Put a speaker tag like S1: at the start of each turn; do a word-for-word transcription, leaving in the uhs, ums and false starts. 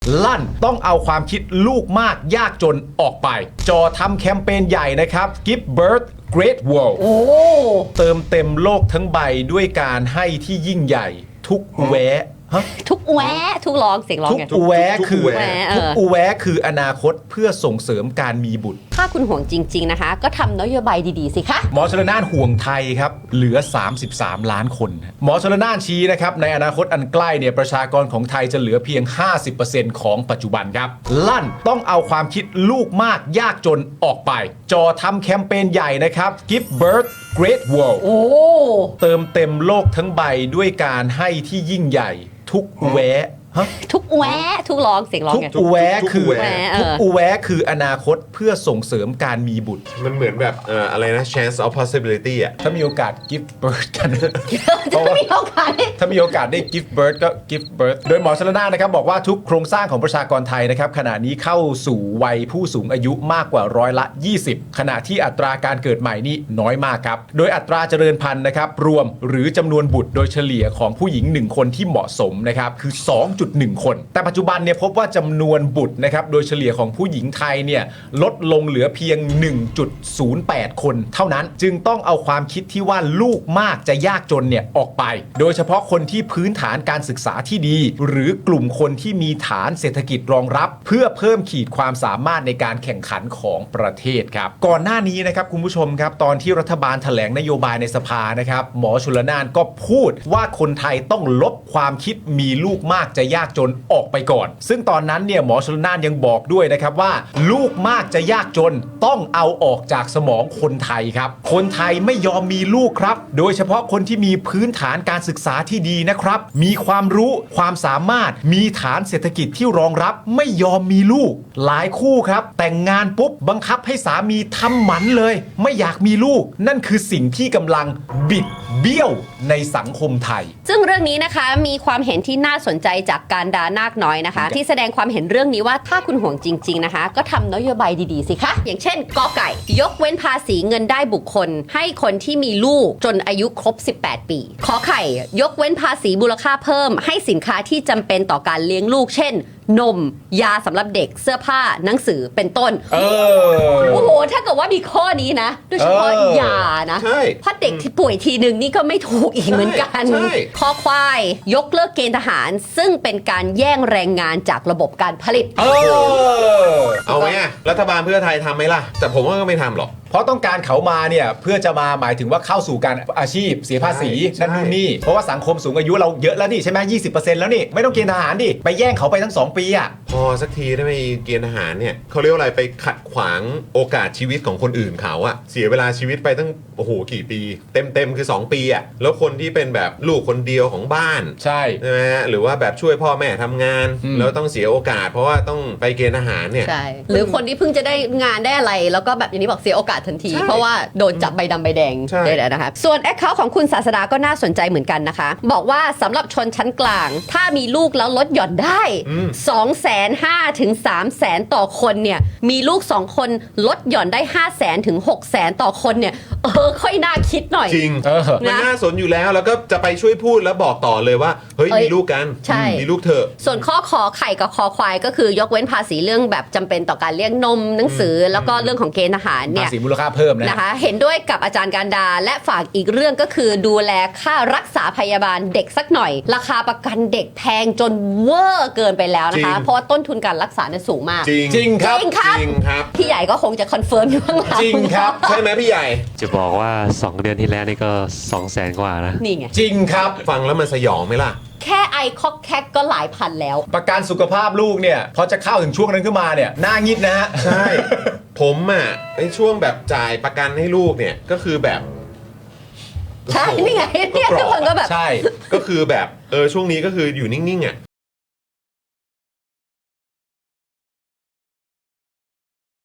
S1: ลั่นต้องเอาความคิดลูกมากยากจนออกไปจอทำแคมเปญใหญ่นะครับ Give Birth Great World
S2: โอ้
S1: เติมเต็มโลกทั้งใบด้วยการให้ที่ยิ่งใหญ่ทุกแวะฮะ
S2: ทุกแวะทุกร้องเสียงร้อง
S1: ทุก
S2: ไง
S1: อุแวะ
S3: ทุก
S1: คือ
S3: อุแวะ
S1: ทุกอุแวะคืออนาคตเพื่อส่งเสริมการมีบุตร
S2: ถ้าคุณห่วงจริง ๆนะคะ ก็ทำนโยบายดีๆสิคะ
S1: หมอชลนานห่วงไทยครับเหลือสามสิบสามล้านคนหมอชลนานชี้นะครับในอนาคตอันใกล้เนี่ยประชากรของไทยจะเหลือเพียง ห้าสิบเปอร์เซ็นต์ ของปัจจุบันครับลั่นต้องเอาความคิดลูกมากยากจนออกไปจอทำแคมเปญใหญ่นะครับ Give Birth Great World
S2: โอ้
S1: เติมเต็มโลกทั้งใบด้วยการให้ที่ยิ่งใหญ่ทุกแวะฮะ
S2: ทุกแวะทุกร้องเสียงร้อง
S1: ทุก
S2: ไง
S1: อุแวะ
S3: ทุก
S1: คือ
S3: อุแวะ
S1: ทุกอุแวะคืออนาคตเพื่อส่งเสริมการมีบุตร
S3: มันเหมือนแบบเอ่ออะไรนะ chance of possibility อ่ะ
S1: ถ้ามีโอกาส give birth กัน
S2: จะไม่มีโอกาส
S1: ถ้ามีโอกาสได้ give birth ก็ give birth โดยหมอชลนานนะครับบอกว่าทุกโครงสร้างของประชากรไทยนะครับขณะนี้เข้าสู่วัยผู้สูงอายุมากกว่าร้อยละ ยี่สิบ ขณะที่อัตราการเกิดใหม่นี่น้อยมากครับโดยอัตราเจริญพันธุ์นะครับรวมหรือจำนวนบุตรโดยเฉลี่ยของผู้หญิงหนึ่งคนที่เหมาะสมนะครับคือ สองจุดหนึ่ง คนแต่ปัจจุบันเนี่ยพบว่าจำนวนบุตรนะครับโดยเฉลี่ยของผู้หญิงไทยเนี่ยลดลงเหลือเพียง หนึ่งจุดศูนย์แปด คนเท่านั้นจึงต้องเอาความคิดที่ว่าลูกมากจะยากจนเนี่ยออกไปโดยเฉพาะคนที่พื้นฐานการศึกษาที่ดีหรือกลุ่มคนที่มีฐานเศรษฐกิจรองรับเพื่อเพิ่มขีดความสามารถในการแข่งขันของประเทศครับก่อนหน้านี้นะครับคุณผู้ชมครับตอนที่รัฐบาลแถลงนโยบายในสภานะครับหมอชลนานก็พูดว่าคนไทยต้องลบความคิดมีลูกมากจะยากจนออกไปก่อนซึ่งตอนนั้นเนี่ยหมอชลนานยังบอกด้วยนะครับว่าลูกมากจะยากจนต้องเอาออกจากสมองคนไทยครับคนไทยไม่ยอมมีลูกครับโดยเฉพาะคนที่มีพื้นฐานการศึกษาที่ดีนะครับมีความรู้ความสามารถมีฐานเศรษฐกิจที่รองรับไม่ยอมมีลูกหลายคู่ครับแต่งงานปุ๊บบังคับให้สามีทำหมันเลยไม่อยากมีลูกนั่นคือสิ่งที่กำลังบิดเบี้ยวในสังคมไทย
S2: ซึ่งเรื่องนี้นะคะมีความเห็นที่น่าสนใจจากการดานาคน้อยนะคะที่แสดงความเห็นเรื่องนี้ว่าถ้าคุณห่วงจริงๆนะคะก็ทำนโยบายดีๆสิคะอย่างเช่นกอไก่ยกเว้นภาษีเงินได้บุคคลให้คนที่มีลูกจนอายุครบสิบแปดปีขอไข่ยกเว้นภาษีมูลค่าเพิ่มให้สินค้าที่จำเป็นต่อการเลี้ยงลูกเช่นนมยาสำหรับเด็กเสื้อผ้าหนังสือเป็นต้นเออโอ้โหถ้าเกิดว่ามีข้อนี้นะโดยเฉพาะยานะเพราะเด็กที่ป่วยทีหนึ่งนี่ก็ไม่ถูกอีกเหมือนกันข้อควายยกเลิกเกณฑ์ทหารซึ่งเป็นการแย่งแรงงานจากระบบการผลิต
S1: เออ
S3: เอาไหมอะรัฐบาลเพื่อไทยทำไหมล่ะแต่ผมว่าก็ไม่ทำหรอก
S1: เพราะต้องการเขามาเนี่ยเพื่อจะมาหมายถึงว่าเข้าสู่การอาชีพเสียภาษีนั่นนู่นนี่เพราะว่าสังคมสูงอายุเราเยอะแล้วนี่ใช่ไหมยี่สิบเปอร์เซ็นต์แล้วนี่ไม่ต้องเกณฑ์ทหารดิไปแย่งเขาไปทั้งสองปีอ่ะ
S3: พอสักทีได้ไหมเกณฑ์ทหารเนี่ยเขาเรียกว่าอะไรไปขัดขวางโอกาสชีวิตของคนอื่นเขาอะเสียเวลาชีวิตไปตั้งโอ้โหกี่ปีเต็มเต็มคือสองปีอะแล้วคนที่เป็นแบบลูกคนเดียวของบ้าน
S1: ใช่
S3: ใช่ไหมหรือว่าแบบช่วยพ่อแม่ทำงานแล้วต้องเสียโอกาสเพราะว่าต้องไปเกณฑ์ทหารเนี่ย
S2: ใช่หรือคนที่เพิ่งจะได้งานได้อะไรแล้วก็แบบอย่างนี้บอกเสียโอกาสทันทีเพราะว่าโดนจับใบดำใบแดงได้แล้วนะคะส่วนแอคเคาท์ของคุณศาสดาก็น่าสนใจเหมือนกันนะคะบอกว่าสำหรับชนชั้นกลางถ้ามีลูกแล้วลดหย่อนได้ สองแสนห้าถึงสามแสนต่อคนเนี่ยมีลูกสองคนลดหย่อนได้ ห้าแสนถึงหกแสนต่อคนเนี่ยเออค่อยน่าคิดหน่อย
S3: จริงมัน
S2: นะ
S3: น่าสนอยู่แล้วแล้วก็จะไปช่วยพูดแล้วบอกต่อเลยว่าเฮ้ยมีลูกกันมีลูกเถอะ
S2: ส่วนข้อขอไข่กับคอควายก็คือยกเว้นภาษีเรื่องแบบจำเป็นต่อการเลี้ยงนมหนังสือแล้วก็เรื่องของเกณฑ์ทหารเนี่ย
S1: ภาษีมูลค่าเพิ่มนะ
S2: นะคะเห็นด้วยกับอาจารย์การดาและฝากอีกเรื่องก็คือดูแลค่ารักษาพยาบาลเด็กสักหน่อยราคาประกันเด็กแพงจนเวอร์เกินไปแล้วนะคะเพราะว่าต้นทุนการรักษาเนี่ยสูงมาก
S3: จริง
S1: จริงครับ
S2: จริงครับ
S3: ครับ
S2: พี่ใหญ่ก็คงจะคอนเฟิร์มอยู่ข้างหลัง
S1: จริงครับ
S3: ใช่ไหมพี่ใหญ่
S4: จะบอกว่าสองเดือนที่แล้วนี่ก็สองแสนกว่านะ
S2: นี่ไง
S1: จริงครับ
S3: ฟังแล้วมันสยองไหมล่ะ
S2: แค่ไอคอกแคกก็หลายพันแล้ว
S1: ประกันสุขภาพลูกเนี่ยพอจะเข้าถึงช่วงนั้นขึ้นมาเนี่ยหน้างิดนะฮะ
S3: ใช่ผมอ่ะในช่วงแบบจ่ายประกันให้ลูกเนี่ยก็คือแบบ
S2: ใช่นี่ไงเนี่ยทุกคนก็แบบ
S1: ใช่
S3: ก็คือแบบเออช่วงนี้ก็คืออยู่นิ่งๆอ่ะ